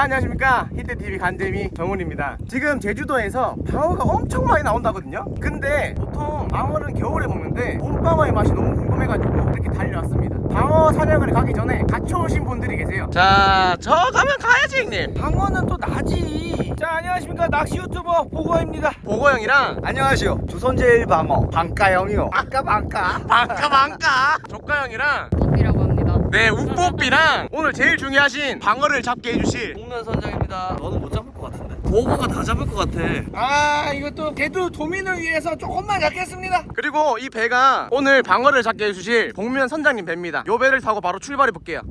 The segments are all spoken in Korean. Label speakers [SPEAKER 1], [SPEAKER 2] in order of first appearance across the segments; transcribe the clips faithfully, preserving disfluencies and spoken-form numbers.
[SPEAKER 1] 안녕하십니까, 히트티비 간재미 정훈입니다. 지금 제주도에서 방어가 엄청 많이 나온다거든요. 근데 보통 방어는 겨울에 먹는데 봄방어의 맛이 너무 궁금해가지고 이렇게 달려왔습니다. 방어 사냥을 가기 전에 갇혀오신 분들이 계세요. 자, 저 가면 가야지 형님.
[SPEAKER 2] 방어는 또 나지. 자, 안녕하십니까, 낚시 유튜버 보고입니다.
[SPEAKER 1] 보고형이랑
[SPEAKER 2] 안녕하시오, 조선제일 방어 방가형이요. 아까 방가
[SPEAKER 1] 방까 방까 조카형이랑
[SPEAKER 3] 뽀삐라고 합니다.
[SPEAKER 1] 네, 우뽀삐랑 오늘 제일 중요하신 방어를 잡게 해주실
[SPEAKER 2] 홍면 선장입니다. 너는 못 잡을 것 같은데? 보고가 다 잡을 것 같아. 아, 이것도 제주 도민을 위해서 조금만 잡겠습니다.
[SPEAKER 1] 그리고 이 배가 오늘 방어를 잡게 해주실 복면 선장님 배입니다. 요 배를 타고 바로 출발해 볼게요.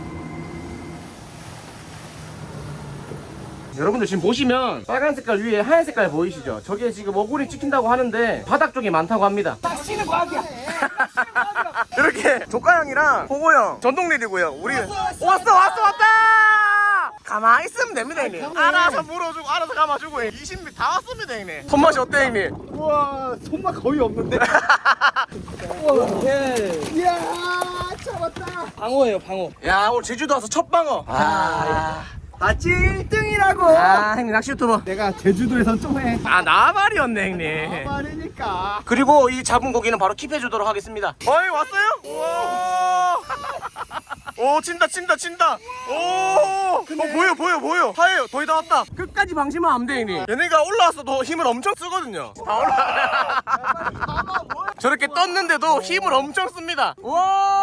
[SPEAKER 1] 여러분들 지금 보시면 빨간 색깔 위에 하얀 색깔 보이시죠? 저게 지금 어구리 찍힌다고 하는데 바닥 쪽에 많다고 합니다.
[SPEAKER 2] 낚시는 과학이야.
[SPEAKER 1] 이렇게 조카형이랑 보고형 전동릴이고요. 우리 왔어 왔어 왔다. 가만히 있으면 됩니다 형님. 알아서 물어주고 알아서 감아주고 이십 미터 다 왔습니다 형님. 손맛이 어때 형님?
[SPEAKER 2] 우와, 손맛 거의 없는데. 우와, 이야, 잡았다. 방어예요, 방어.
[SPEAKER 1] 야, 오늘 제주도 와서 첫 방어.
[SPEAKER 2] 아, 아치 일 등이라고.
[SPEAKER 1] 아 형님 낚시 유튜버.
[SPEAKER 2] 내가 제주도에선 좀 해.
[SPEAKER 1] 아, 나발이었네 형님.
[SPEAKER 2] 말이니까.
[SPEAKER 1] 그리고 이 잡은 고기는 바로 킵해주도록 하겠습니다. 어이, 왔어요? 우와. 오, 친다 친다 친다. 오, 어, 보여 보여 보여. 하예요. 거의 다 왔다. 끝까지 방심하면 안 돼 형님. 얘네가 올라왔어도 힘을 엄청 쓰거든요. 다 올라. 저렇게 떴는데도 힘을 엄청 씁니다. 와.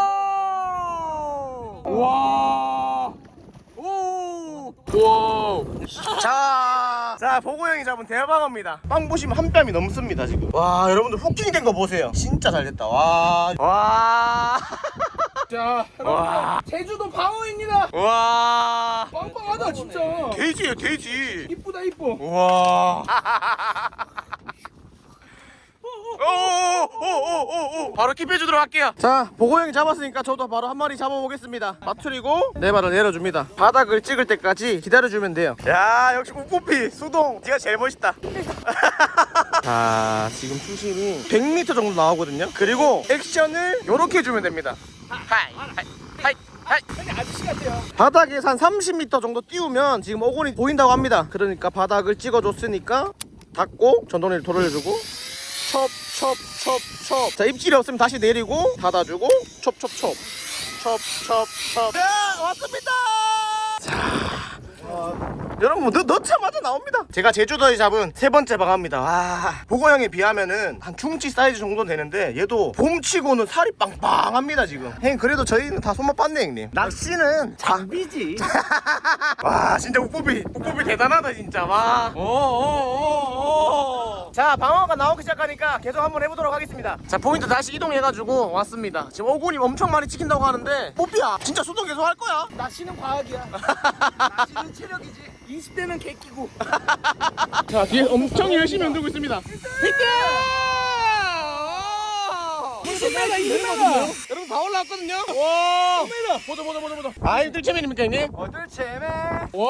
[SPEAKER 1] 와. 오! 와! 자, 자, 보고 형이 잡은 대방어입니다. 빵 보시면 한 뺨이 넘습니다 지금. 와, 여러분들 후킹 된 거 보세요. 진짜 잘 됐다. 와, 와,
[SPEAKER 2] 자,
[SPEAKER 1] 와,
[SPEAKER 2] 제주도 방어입니다.
[SPEAKER 1] 와.
[SPEAKER 2] 빵빵하다 진짜.
[SPEAKER 1] 돼지예요, 돼지.
[SPEAKER 2] 이쁘다 이뻐.
[SPEAKER 1] 와. 오오오오오오 바로 킵해주도록 할게요. 자, 보고 형이 잡았으니까 저도 바로 한 마리 잡아보겠습니다. 맞추리고 네 발을 내려줍니다. 바닥을 찍을 때까지 기다려주면 돼요. 야, 역시 우뽀삐 수동 네가 제일 멋있다. 자, 지금 수심이 백 미터 정도 나오거든요. 그리고 액션을 요렇게 해주면 됩니다. 하이 하이 하이 하이.
[SPEAKER 2] 근데 아저씨 같아요.
[SPEAKER 1] 바닥에서 한 삼십 미터 정도 띄우면 지금 어곤이 보인다고 합니다. 그러니까 바닥을 찍어줬으니까 닫고 전동리를 돌려주고 첩 첩 첩 첩. 자, 입질이 없으면 다시 내리고 닫아주고 첩 첩 첩 첩 첩 첩. 자, 왔습니다. 자, 여러분 넣, 넣자마자 나옵니다. 제가 제주도에 잡은 세 번째 방어입니다. 와, 보고형에 비하면은 한 중치 사이즈 정도 되는데 얘도 봄치고는 살이 빵빵합니다 지금. 형님, 그래도 저희는 다 손맛 봤네 형님. 낚시는
[SPEAKER 2] 장비지.
[SPEAKER 1] 와, 진짜 우뽀삐 우뽀삐 대단하다 진짜. 와. 오오오오. 자, 방어가 나오기 시작하니까 계속 한번 해보도록 하겠습니다. 자, 포인트 다시 이동해가지고 왔습니다. 지금 어곤이 엄청 많이 찍힌다고 하는데 뽀삐야 진짜 수동 계속 할 거야?
[SPEAKER 2] 낚시는 과학이야. 낚시는 체력이지. 이십 대는 개끼고.
[SPEAKER 1] 자, 뒤에 엄청 열심히 흔들고 있습니다. 히트!
[SPEAKER 2] 이십 대가 이십 대가.
[SPEAKER 1] 여러분 다 올라왔거든요. 와. 보자 보자 보자 보자. 아이, 뜰채맨입니까 형님?
[SPEAKER 2] 어, 뜰채매.
[SPEAKER 1] 와.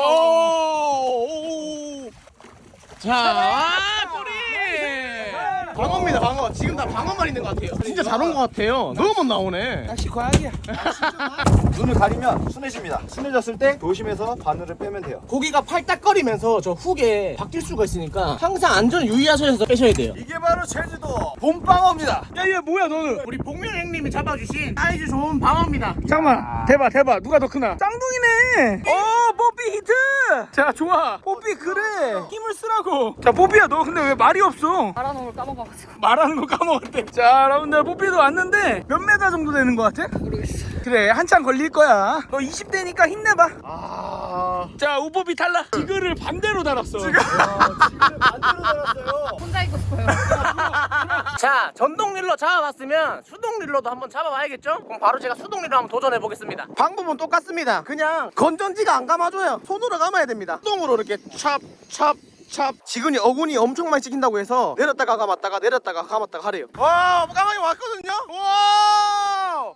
[SPEAKER 1] 오. 자, 아, 꼬리. 방어입니다, 방어. 지금 다 방어만 있는 것 같아요. 진짜 잘 온 것 같아요. 너무 못 나오네.
[SPEAKER 2] 낚시 과학이야.
[SPEAKER 4] 눈을 가리면 순해집니다. 순해졌을 때 조심해서 바늘을 빼면 돼요.
[SPEAKER 1] 고기가 팔딱거리면서 저 훅에 바뀔 수가 있으니까 항상 안전 유의하셔서 빼셔야 돼요.
[SPEAKER 4] 이게 바로 제주도 봄방어입니다.
[SPEAKER 2] 야, 얘 뭐야 너는?
[SPEAKER 1] 우리 복면 형님이 잡아주신 사이즈 좋은 방어입니다.
[SPEAKER 2] 잠깐만, 대박 대박. 누가 더 크나? 쌍둥이네. 오, 뽀삐 히트. 자, 좋아. 뽀삐 그래. 힘을 쓰라고. 자, 뽀삐야, 너 근데 왜 말이 없어?
[SPEAKER 3] 말하는 걸 까먹어가지고.
[SPEAKER 2] 말하는 거 까먹었대. 자, 여러분들 뽀삐도 왔는데 몇 메다 정도 되는 것 같아?
[SPEAKER 3] 모르겠어.
[SPEAKER 2] 그래, 한참 걸릴 거야. 너 이십 대니까 힘내봐.
[SPEAKER 1] 아.
[SPEAKER 2] 자, 우뽀삐 탈락. 지그를 반대로 달았어.
[SPEAKER 4] 지금 반대로 달았어요.
[SPEAKER 3] 혼자 있고 싶어요.
[SPEAKER 1] 자, 전동릴로 잡아봤으면 수동릴로도 한번 잡아봐야겠죠? 그럼 바로 제가 수동릴로 한번 도전해보겠습니다. 방법은 똑같습니다. 그냥 건전지가 안 감아줘요. 손으로 감아야 됩니다. 수동으로 이렇게 찹, 찹, 찹. 지근이 어군이 엄청 많이 찍힌다고 해서 내렸다가 감았다가 내렸다가 감았다가 하래요. 와, 까마귀 왔거든요? 와!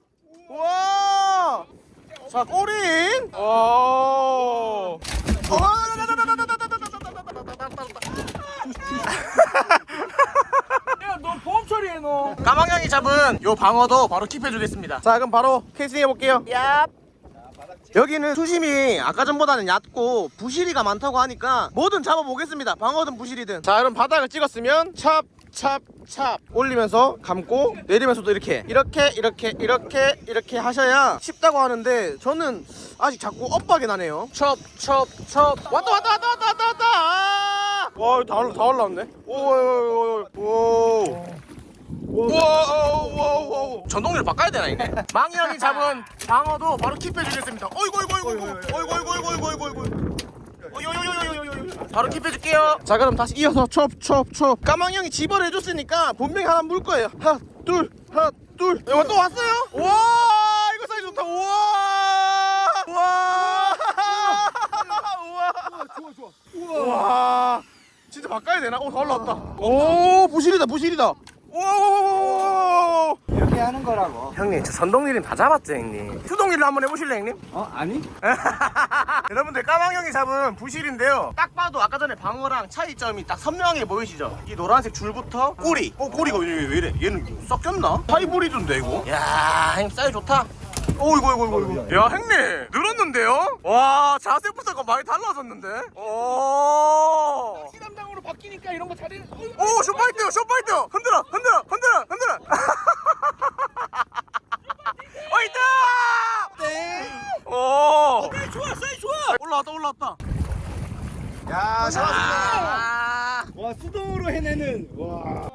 [SPEAKER 1] 와! 자, 꼬린! 오!
[SPEAKER 2] 야, 너 보험 처리해 너.
[SPEAKER 1] 까망냥이 잡은 요 방어도 바로 킵해주겠습니다. 자, 그럼 바로 캐스팅 해볼게요. 얍! 여기는 수심이 아까 전보다는 얕고 부시리가 많다고 하니까 뭐든 잡아보겠습니다. 방어든 부시리든. 자, 여러분 바닥을 찍었으면 찹 찹 찹 올리면서 감고 내리면서도 이렇게 이렇게 이렇게 이렇게 이렇게 하셔야 쉽다고 하는데 저는 아직 자꾸 엇박이 나네요. 첩첩첩 왔다 왔다 왔다 왔다 왔다 왔다. 아! 와, 다 올라 다 올라왔네. 오오오오. 와와와 전동리를 바꿔야 되나 이게? 망이 형이 잡은 방어도 바로 킵해주겠습니다. 어이구 어이구 어이구 어이구 어이구 어이구 어이구 어이구 어이구 어이구 바로 킵해줄게요. 자, 그럼 다시 이어서 첩첩첩. 까망이 형이 집어를 해줬으니까 분명히 하나 물 거예요. 하나 둘 하나 둘. 이거 또 왔어요? 와, 이거 사이즈 좋다. 우와 우와 우와
[SPEAKER 2] 좋아 좋아.
[SPEAKER 1] 우와 진짜 바꿔야 되나? 오, 다 올라왔다. 오, 부실이다 부실이다. 오,
[SPEAKER 4] 이렇게 하는 거라고.
[SPEAKER 1] 형님, 저 전동리는 다 잡았죠, 형님. 수동리를 한번 해보실래, 형님?
[SPEAKER 4] 어? 아니?
[SPEAKER 1] 여러분들, 까망 형이 잡은 부실인데요. 딱 봐도 아까 전에 방어랑 차이점이 딱 선명하게 보이시죠? 이 노란색 줄부터 꼬리. 어, 꼬리가 왜, 왜 이래? 얘는 썩겼나? 하이브리드인데, 이거? 야, 형님, 사이즈 좋다. 오, 이거, 이거, 이거, 이거. 야, 형님, 늘었는데요? 와, 자세부터가 많이 달라졌는데? 오.
[SPEAKER 2] 낚시 담당으로 바뀌니까 이런 거 잘해.
[SPEAKER 1] 오, 숏파이트, 숏파이트. 흔들어, 흔들어, 흔들어, 흔들어. 어, 있다. 네. 오.
[SPEAKER 2] 사이 좋아 사이 좋아.
[SPEAKER 1] 올라왔다, 올라왔다.
[SPEAKER 4] 야, 잡았습니다.
[SPEAKER 1] 아.
[SPEAKER 4] 와, 수동으로 해내는. 와.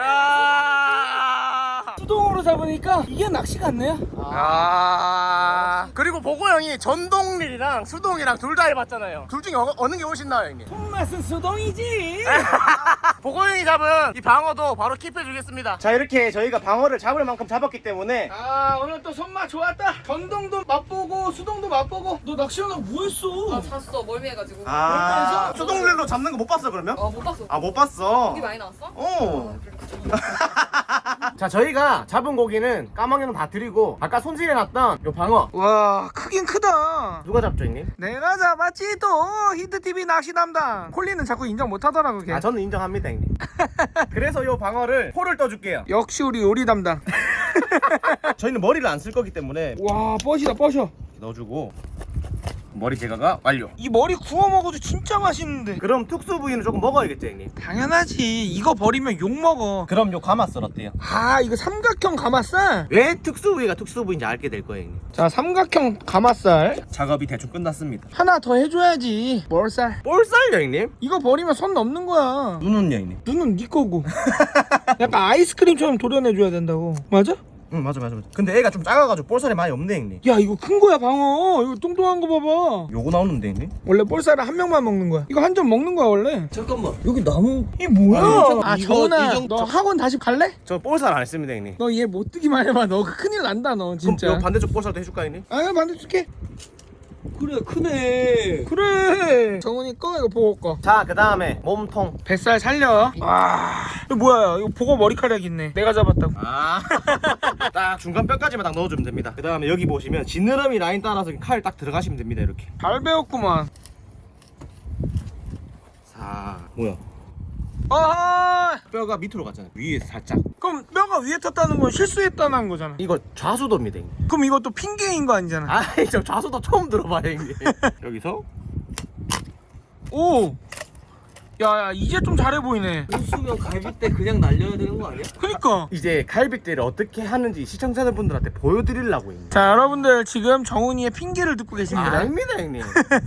[SPEAKER 1] 야.
[SPEAKER 2] 수동으로 잡으니까 이게 낚시 같네요.
[SPEAKER 1] 아. 그리고 보고 형이 전동릴이랑 수동이랑 둘 다 해봤잖아요. 둘 중에 어, 어느 게 훨씬 나아요, 형님?
[SPEAKER 2] 손맛은 수동이지.
[SPEAKER 1] 보고 형이 잡은 이 방어도 바로 킵해주겠습니다. 자, 이렇게 저희가 방어를 잡을 만큼 잡았기 때문에
[SPEAKER 2] 아, 오늘 또 손맛 좋았다. 전동도 맛보고 수동도 맛보고. 너 낚시하다 뭐 했어?
[SPEAKER 3] 아 잤어 멀미해가지고.
[SPEAKER 1] 아, 수동릴로 잡는 거 못 봤어, 그러면?
[SPEAKER 3] 어 못 봤어.
[SPEAKER 1] 아, 못 봤어.
[SPEAKER 3] 고기 많이 나왔어?
[SPEAKER 1] 어. 자, 저희가 잡은 고기는 까망이는 다 드리고 아까 손질해놨던 요 방어
[SPEAKER 2] 와, 크긴 크다.
[SPEAKER 1] 누가 잡죠, 형님?
[SPEAKER 2] 내가 잡았지 또. 히트티비 낚시 담당. 콜리는 자꾸 인정 못하더라고 걔.
[SPEAKER 1] 아, 저는 인정합니다, 형님. 그래서 요 방어를 포를 떠줄게요.
[SPEAKER 2] 역시 우리 요리 담당.
[SPEAKER 1] 저희는 머리를 안 쓸 거기 때문에
[SPEAKER 2] 와, 뻗이다 뻗어.
[SPEAKER 1] 넣어주고 머리 제거가 완료.
[SPEAKER 2] 이 머리 구워 먹어도 진짜 맛있는데.
[SPEAKER 1] 그럼 특수 부위는 조금 먹어야겠죠, 형님?
[SPEAKER 2] 당연하지. 이거 버리면 욕 먹어.
[SPEAKER 1] 그럼 요 가마살 어때요?
[SPEAKER 2] 아, 이거 삼각형 가마살.
[SPEAKER 1] 왜 특수 부위가 특수 부위인지 알게 될 거예요, 형님.
[SPEAKER 2] 자, 삼각형 가마살
[SPEAKER 1] 작업이 대충 끝났습니다.
[SPEAKER 2] 하나 더 해줘야지. 뭘살?
[SPEAKER 1] 볼살요, 형님?
[SPEAKER 2] 이거 버리면 손 넘는 거야.
[SPEAKER 1] 눈은요, 형님?
[SPEAKER 2] 눈은 네 거고. 약간 아이스크림처럼 도려내줘야 된다고. 맞아?
[SPEAKER 1] 응, 맞아, 맞아, 맞아. 근데 애가 좀 작아가지고 볼살이 많이 없네, 형님.
[SPEAKER 2] 야, 이거 큰 거야 방어. 이거 뚱뚱한 거 봐봐.
[SPEAKER 1] 요거 나오는데, 형님?
[SPEAKER 2] 원래 볼살은 한 명만 먹는 거야. 이거 한 점 먹는 거야 원래.
[SPEAKER 1] 잠깐만.
[SPEAKER 2] 여기 나무. 이게 뭐야? 아,
[SPEAKER 1] 이거,
[SPEAKER 2] 정훈아,
[SPEAKER 1] 이 정도-
[SPEAKER 2] 너 학원 다시 갈래?
[SPEAKER 1] 저 볼살 안 했습니다, 형님.
[SPEAKER 2] 너 얘 못 뜨기만 해봐. 너 큰일 난다 너 진짜.
[SPEAKER 1] 그럼 요 반대쪽 볼살도 해줄까, 형님?
[SPEAKER 2] 아, 반대 줄게.
[SPEAKER 4] 그래, 크네.
[SPEAKER 2] 그래. 정훈이 거 이거 보고 거.
[SPEAKER 1] 자, 그 다음에 몸통.
[SPEAKER 2] 뱃살 살려. 와, 이거 뭐야? 이거 보고 머리카락 있네. 내가 잡았다고.
[SPEAKER 1] 아. 딱 중간 뼈까지만 딱 넣어주면 됩니다. 그 다음에 여기 보시면 지느러미 라인 따라서 칼 딱 들어가시면 됩니다, 이렇게.
[SPEAKER 2] 잘 배웠구만.
[SPEAKER 1] 사. 뭐야?
[SPEAKER 2] 아,
[SPEAKER 1] 뼈가 밑으로 갔잖아요. 위에서 살짝.
[SPEAKER 2] 그럼 뼈가 위에 탔다는 건 실수했다는 거잖아.
[SPEAKER 1] 이거 좌수도입니다, 형님.
[SPEAKER 2] 그럼 이것도 핑계인 거 아니잖아.
[SPEAKER 1] 아이, 저 좌수도 처음 들어봐요, 형님. 여기서.
[SPEAKER 2] 오. 야, 야, 이제 좀 잘해 보이네.
[SPEAKER 4] 수면 갈비때 그냥 날려야 되는 거 아니야?
[SPEAKER 2] 그니까.
[SPEAKER 1] 이제 갈비뼈를 어떻게 하는지 시청자분들한테 보여드리려고 형님.
[SPEAKER 2] 자, 여러분들 지금 정훈이의 핑계를 듣고 계십니다.
[SPEAKER 1] 아닙니다, 형님.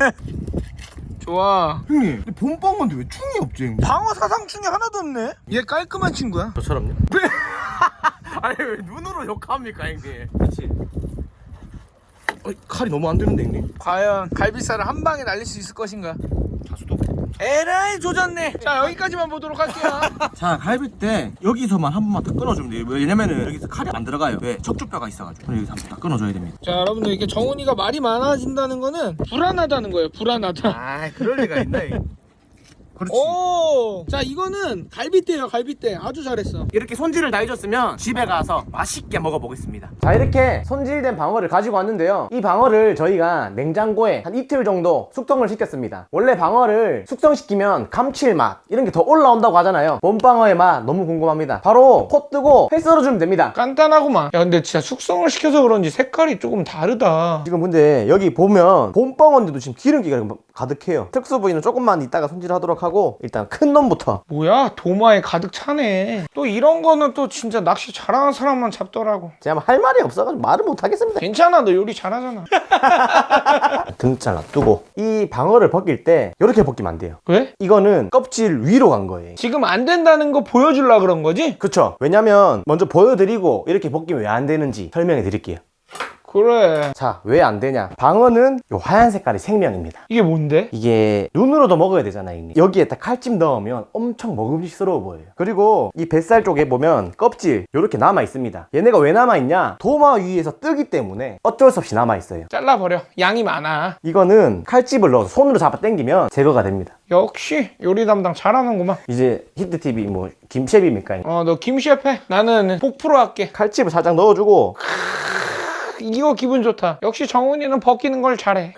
[SPEAKER 2] 좋아.
[SPEAKER 1] 형님, 근데 본방인데 왜 충이 없지, 형님?
[SPEAKER 2] 방어 사상충이 하나도 없네. 얘 깔끔한 친구야.
[SPEAKER 1] 저처럼요? 아니, 왜 눈으로 욕합니까, 형님?
[SPEAKER 4] 그렇지.
[SPEAKER 1] 어이, 칼이 너무 안 되는데, 형님.
[SPEAKER 2] 과연 갈비살을 한 방에 날릴 수 있을 것인가?
[SPEAKER 1] 좌수도.
[SPEAKER 2] 에라이 조졌네. 자, 여기까지만 보도록 할게요.
[SPEAKER 1] 자, 갈비뼈 여기서만 한 번만 다 끊어주면 돼요. 왜냐면은 여기서 칼이 안 들어가요. 왜? 척추뼈가 있어가지고. 그럼 여기서 한 번 다 끊어줘야 됩니다.
[SPEAKER 2] 자, 여러분들 이게 정훈이가 말이 많아진다는 거는 불안하다는 거예요. 불안하다.
[SPEAKER 1] 아, 그럴 리가 있나, 형님. 그렇지.
[SPEAKER 2] 오! 자, 이거는 갈비대예요, 갈비대. 아주 잘했어.
[SPEAKER 1] 이렇게 손질을 다 해줬으면 집에 가서 맛있게 먹어보겠습니다.
[SPEAKER 3] 자, 이렇게 손질된 방어를 가지고 왔는데요. 이 방어를 저희가 냉장고에 한 이틀 정도 숙성을 시켰습니다. 원래 방어를 숙성시키면 감칠맛 이런 게 더 올라온다고 하잖아요. 봄방어의 맛 너무 궁금합니다. 바로 pot 뜨고 회 썰어주면 됩니다.
[SPEAKER 2] 간단하구만. 야, 근데 진짜 숙성을 시켜서 그런지 색깔이 조금 다르다.
[SPEAKER 3] 지금 근데 여기 보면 봄방어인데도 지금 기름기가 가득해요. 특수 부위는 조금만 이따가 손질하도록 하고 일단 큰 놈부터.
[SPEAKER 2] 뭐야? 도마에 가득 차네. 또 이런 거는 또 진짜 낚시 잘하는 사람만 잡더라고.
[SPEAKER 3] 제가 할 말이 없어가지고 말을 못하겠습니다.
[SPEAKER 2] 괜찮아, 너 요리 잘하잖아.
[SPEAKER 3] 등 잘라두고 이 방어를 벗길 때 이렇게 벗기면 안 돼요.
[SPEAKER 2] 왜?
[SPEAKER 3] 이거는 껍질 위로 간 거예요.
[SPEAKER 2] 지금 안 된다는 거 보여주려고 그런 거지?
[SPEAKER 3] 그쵸? 왜냐면 먼저 보여드리고 이렇게 벗기면 왜 안 되는지 설명해 드릴게요.
[SPEAKER 2] 그래.
[SPEAKER 3] 자, 왜 안 되냐? 방어는 요 하얀 색깔이 생명입니다.
[SPEAKER 2] 이게 뭔데?
[SPEAKER 3] 이게 눈으로도 먹어야 되잖아요. 형님. 여기에다 칼집 넣으면 엄청 먹음직스러워 보여요. 그리고 이 뱃살 쪽에 보면 껍질 요렇게 남아 있습니다. 얘네가 왜 남아 있냐? 도마 위에서 뜨기 때문에 어쩔 수 없이 남아 있어요.
[SPEAKER 2] 잘라버려. 양이 많아.
[SPEAKER 3] 이거는 칼집을 넣어서 손으로 잡아 당기면 제거가 됩니다.
[SPEAKER 2] 역시 요리 담당 잘하는구만.
[SPEAKER 3] 이제 히트티비 뭐 김셰비입니까?
[SPEAKER 2] 어, 너 김셰프 해. 나는 복프로 할게.
[SPEAKER 3] 칼집을 살짝 넣어주고
[SPEAKER 2] 이거 기분 좋다. 역시 정훈이는 벗기는 걸 잘해.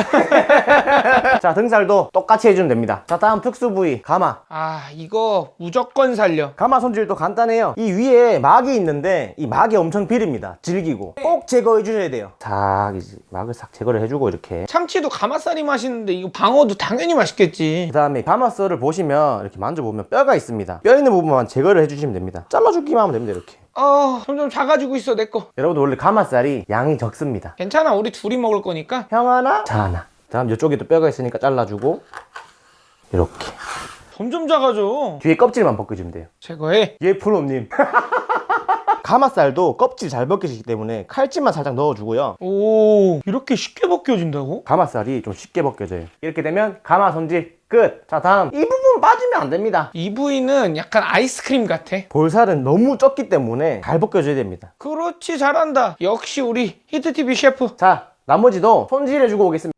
[SPEAKER 3] 자, 등살도 똑같이 해주면 됩니다. 자, 다음 특수 부위 가마.
[SPEAKER 2] 아, 이거 무조건 살려.
[SPEAKER 3] 가마 손질도 간단해요. 이 위에 막이 있는데 이 막이 엄청 비립니다. 질기고 꼭 제거해 주셔야 돼요. 자, 이제 막을 싹 제거를 해주고 이렇게.
[SPEAKER 2] 참치도 가마살이 맛있는데 이거 방어도 당연히 맛있겠지.
[SPEAKER 3] 그 다음에 가마살을 보시면 이렇게 만져보면 뼈가 있습니다. 뼈 있는 부분만 제거를 해주시면 됩니다. 잘라주기만 하면 됩니다. 이렇게.
[SPEAKER 2] 어, 점점 작아지고 있어, 내 거.
[SPEAKER 3] 여러분들 원래 가마살이 양이 적습니다.
[SPEAKER 2] 괜찮아, 우리 둘이 먹을 거니까.
[SPEAKER 3] 형 하나, 자 하나. 다음 이쪽에도 뼈가 있으니까 잘라주고 이렇게
[SPEAKER 2] 점점 작아져.
[SPEAKER 3] 뒤에 껍질만 벗겨주면 돼요.
[SPEAKER 2] 제거해.
[SPEAKER 3] 예, 프로님. 가마살도 껍질 잘 벗겨지기 때문에 칼집만 살짝 넣어주고요.
[SPEAKER 2] 오, 이렇게 쉽게 벗겨진다고?
[SPEAKER 3] 가마살이 좀 쉽게 벗겨져요. 이렇게 되면 가마 손질 끝. 자, 다음 이 부분 빠지면 안 됩니다.
[SPEAKER 2] 이 부위는 약간 아이스크림 같아.
[SPEAKER 3] 볼살은 너무 적기 때문에 잘 벗겨져야 됩니다.
[SPEAKER 2] 그렇지, 잘한다. 역시 우리 히트티비 셰프.
[SPEAKER 3] 자, 나머지도 손질해주고 오겠습니다.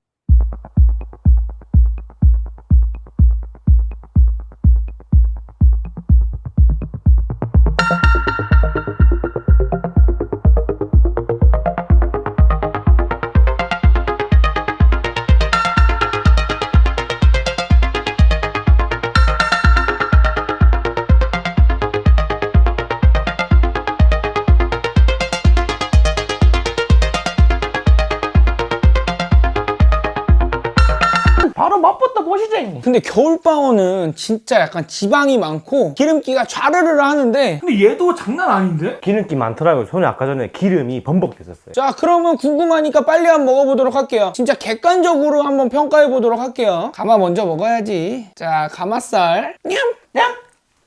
[SPEAKER 3] 바로 맛부터 보시죠, 형님.
[SPEAKER 2] 근데 겨울방어는 진짜 약간 지방이 많고 기름기가 좌르르 하는데, 근데 얘도 장난 아닌데?
[SPEAKER 3] 기름기 많더라고요. 손에 아까 전에 기름이 범벅됐었어요.
[SPEAKER 2] 자, 그러면 궁금하니까 빨리 한번 먹어보도록 할게요. 진짜 객관적으로 한번 평가해보도록 할게요. 가마 먼저 먹어야지. 자, 가마살. 냠! 냠!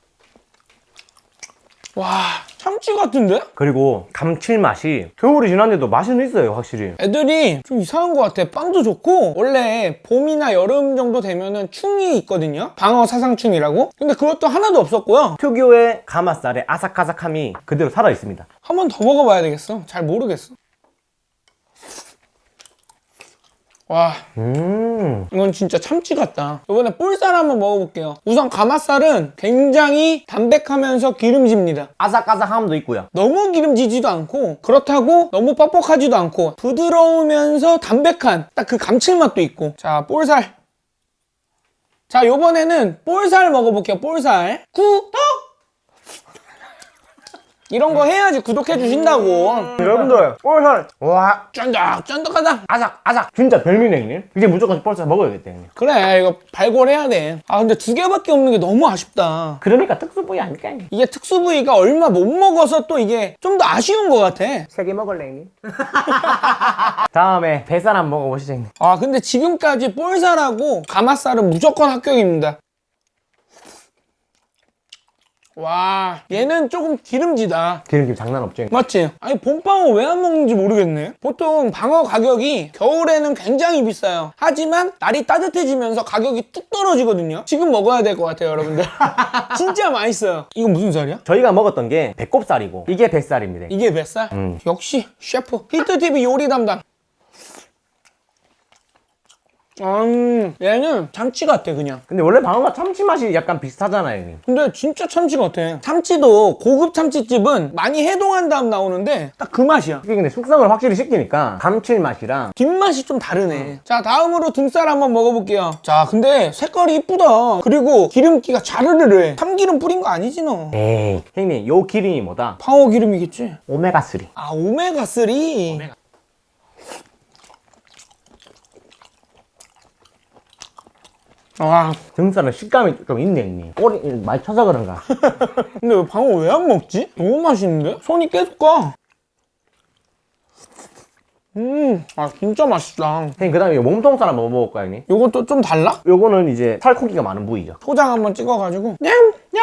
[SPEAKER 2] 와, 참치 같은데?
[SPEAKER 3] 그리고 감칠맛이 겨울이 지났는데도 맛은 있어요, 확실히.
[SPEAKER 2] 애들이 좀 이상한 것 같아. 빵도 좋고, 원래 봄이나 여름 정도 되면은 충이 있거든요? 방어 사상충이라고? 근데 그것도 하나도 없었고요.
[SPEAKER 3] 특유의 가마살의 아삭아삭함이 그대로 살아있습니다.
[SPEAKER 2] 한 번 더 먹어봐야 되겠어. 잘 모르겠어. 와,
[SPEAKER 3] 음.
[SPEAKER 2] 이건 진짜 참치 같다. 이번에 볼살 한번 먹어볼게요. 우선 가마살은 굉장히 담백하면서 기름집니다.
[SPEAKER 3] 아삭아삭함도 있고요.
[SPEAKER 2] 너무 기름지지도 않고 그렇다고 너무 뻑뻑하지도 않고 부드러우면서 담백한 딱 그 감칠맛도 있고. 자, 볼살. 자, 요번에는 볼살 먹어볼게요. 볼살. 구독! 이런 거 해야지 구독해 주신다고.
[SPEAKER 3] 여러분들 볼살 와
[SPEAKER 2] 쫀득쫀득하다.
[SPEAKER 3] 아삭 아삭 진짜 별미네 형님. 이제 무조건 볼살 먹어야겠다 형님.
[SPEAKER 2] 그래, 이거 발골해야 돼. 아, 근데 두 개밖에 없는 게 너무 아쉽다.
[SPEAKER 3] 그러니까 특수 부위 아닐까 형님.
[SPEAKER 2] 이게 특수 부위가 얼마 못 먹어서 또 이게 좀 더 아쉬운 것 같아.
[SPEAKER 3] 세 개 먹을래 형님. 다음에 배살 한번 먹어보시죠 형님.
[SPEAKER 2] 아, 근데 지금까지 볼살하고 가마살은 무조건 합격입니다. 와, 얘는 조금 기름지다.
[SPEAKER 3] 기름기 장난 없죠 형님.
[SPEAKER 2] 맞지? 아니, 봄방어 왜 안 먹는지 모르겠네. 보통 방어 가격이 겨울에는 굉장히 비싸요. 하지만 날이 따뜻해지면서 가격이 뚝 떨어지거든요. 지금 먹어야 될 것 같아요, 여러분들. 진짜 맛있어요. 이건 무슨 살이야?
[SPEAKER 3] 저희가 먹었던 게 배꼽살이고 이게 뱃살입니다.
[SPEAKER 2] 이게 뱃살?
[SPEAKER 3] 음.
[SPEAKER 2] 역시 셰프. 히트티비 요리 담당. 음, 얘는 참치 같아 그냥.
[SPEAKER 3] 근데 원래 방어가 참치 맛이 약간 비슷하잖아요, 형님.
[SPEAKER 2] 근데 진짜 참치 같아. 참치도 고급 참치집은 많이 해동한 다음 나오는데 딱 그 맛이야.
[SPEAKER 3] 이게 근데 숙성을 확실히 시키니까 감칠맛이랑
[SPEAKER 2] 뒷맛이 좀 다르네. 자, 다음으로 등살 한번 먹어볼게요. 자, 근데 색깔이 이쁘다. 그리고 기름기가 자르르르 해. 참기름 뿌린 거 아니지 너?
[SPEAKER 3] 에이 형님 요 기름이 뭐다?
[SPEAKER 2] 방어 기름이겠지?
[SPEAKER 3] 오메가삼.
[SPEAKER 2] 아, 오메가삼. 아,
[SPEAKER 3] 등살은 식감이 좀 있네, 형님. 꼬리 많이 쳐서 그런가?
[SPEAKER 2] 근데 왜 방어 왜 안 먹지? 너무 맛있는데? 손이 계속 가. 음, 아 진짜 맛있다.
[SPEAKER 3] 형님 그 다음에 몸통살 한번 먹어볼까요, 형님?
[SPEAKER 2] 요것도 좀 달라?
[SPEAKER 3] 요거는 이제 살코기가 많은 부위죠.
[SPEAKER 2] 초장 한번 찍어가지고 냠! 냠!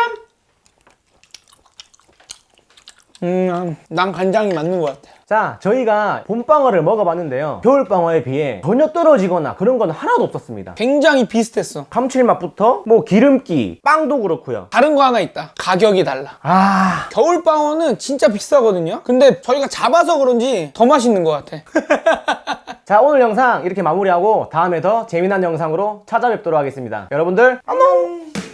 [SPEAKER 2] 음, 난 간장이 맞는 것 같아.
[SPEAKER 3] 자, 저희가 봄방어를 먹어봤는데요. 겨울방어에 비해 전혀 떨어지거나 그런 건 하나도 없었습니다.
[SPEAKER 2] 굉장히 비슷했어.
[SPEAKER 3] 감칠맛부터 뭐 기름기, 빵도 그렇고요.
[SPEAKER 2] 다른 거 하나 있다. 가격이 달라.
[SPEAKER 3] 아,
[SPEAKER 2] 겨울방어는 진짜 비싸거든요. 근데 저희가 잡아서 그런지 더 맛있는 것 같아.
[SPEAKER 3] 자, 오늘 영상 이렇게 마무리하고 다음에 더 재미난 영상으로 찾아뵙도록 하겠습니다. 여러분들 안녕!